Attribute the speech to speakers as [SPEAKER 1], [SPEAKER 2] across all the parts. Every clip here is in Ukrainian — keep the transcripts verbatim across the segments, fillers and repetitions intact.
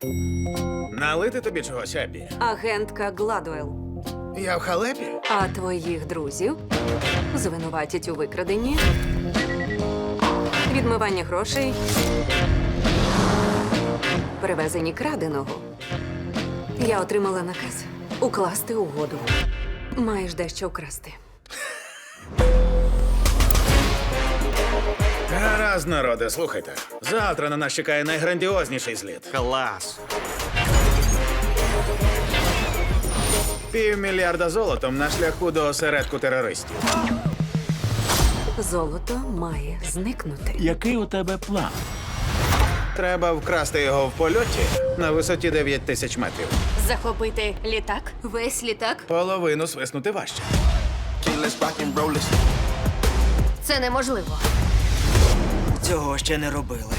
[SPEAKER 1] Налити тобі чогось, Еббі?
[SPEAKER 2] Агентка Гладуел.
[SPEAKER 1] Я в халепі?
[SPEAKER 2] А твоїх друзів звинуватять у викраденні, відмиванні грошей, перевезенні краденого. Я отримала наказ укласти угоду. Маєш дещо вкрасти.
[SPEAKER 1] Гаразд, народе, слухайте. Завтра на нас чекає найграндіозніший зліт.
[SPEAKER 3] Клас.
[SPEAKER 1] Півмільярда золотом на шляху до осередку терористів.
[SPEAKER 2] Золото має зникнути.
[SPEAKER 3] Який у тебе план?
[SPEAKER 1] Треба вкрасти його в польоті на висоті дев'ять тисяч метрів.
[SPEAKER 4] Захопити літак?
[SPEAKER 2] Весь літак?
[SPEAKER 1] Половину свиснути важче.
[SPEAKER 4] Це неможливо.
[SPEAKER 5] Цього ще не робили.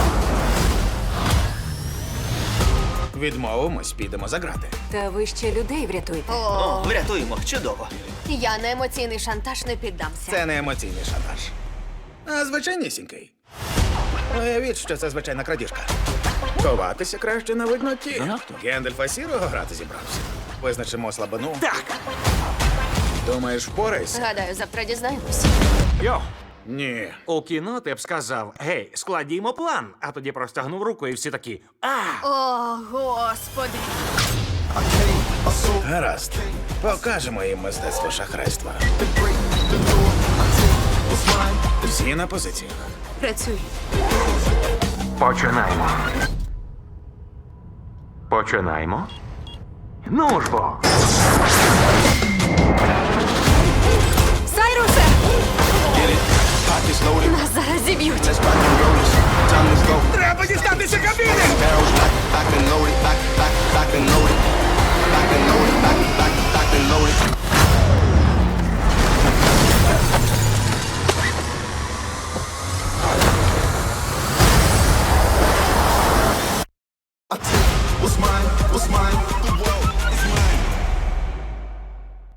[SPEAKER 1] Відмовимось, підемо за грати.
[SPEAKER 2] Та ви ще людей врятуєте.
[SPEAKER 5] О, врятуємо. Чудово.
[SPEAKER 4] Я на емоційний шантаж не піддамся.
[SPEAKER 1] Це не емоційний шантаж, а звичайнісінький. Уявіть, що це звичайна крадіжка. Ховатися краще на видноті.
[SPEAKER 3] Занадто.
[SPEAKER 1] Гендальфа Сірого грати зібрався. Визначимо слабину.
[SPEAKER 3] Так.
[SPEAKER 1] Думаєш, впорайся?
[SPEAKER 4] Гадаю, завтра дізнаємось.
[SPEAKER 3] Йо,
[SPEAKER 1] Ні.
[SPEAKER 3] у кіно ти б сказав: гей, складімо план, а тоді простягнув руку і всі такі. А!
[SPEAKER 4] О, господи.
[SPEAKER 1] Гаразд. Покажемо їм мистецтво шахрайства. Всі на позиціях.
[SPEAKER 2] Працюй.
[SPEAKER 3] Починаємо. Починаємо. Ну ж бо.
[SPEAKER 4] Сайрусе! Нас зараз зіб'ють.
[SPEAKER 1] Треба дістатися кабіни!
[SPEAKER 6] What's mine? What's mine?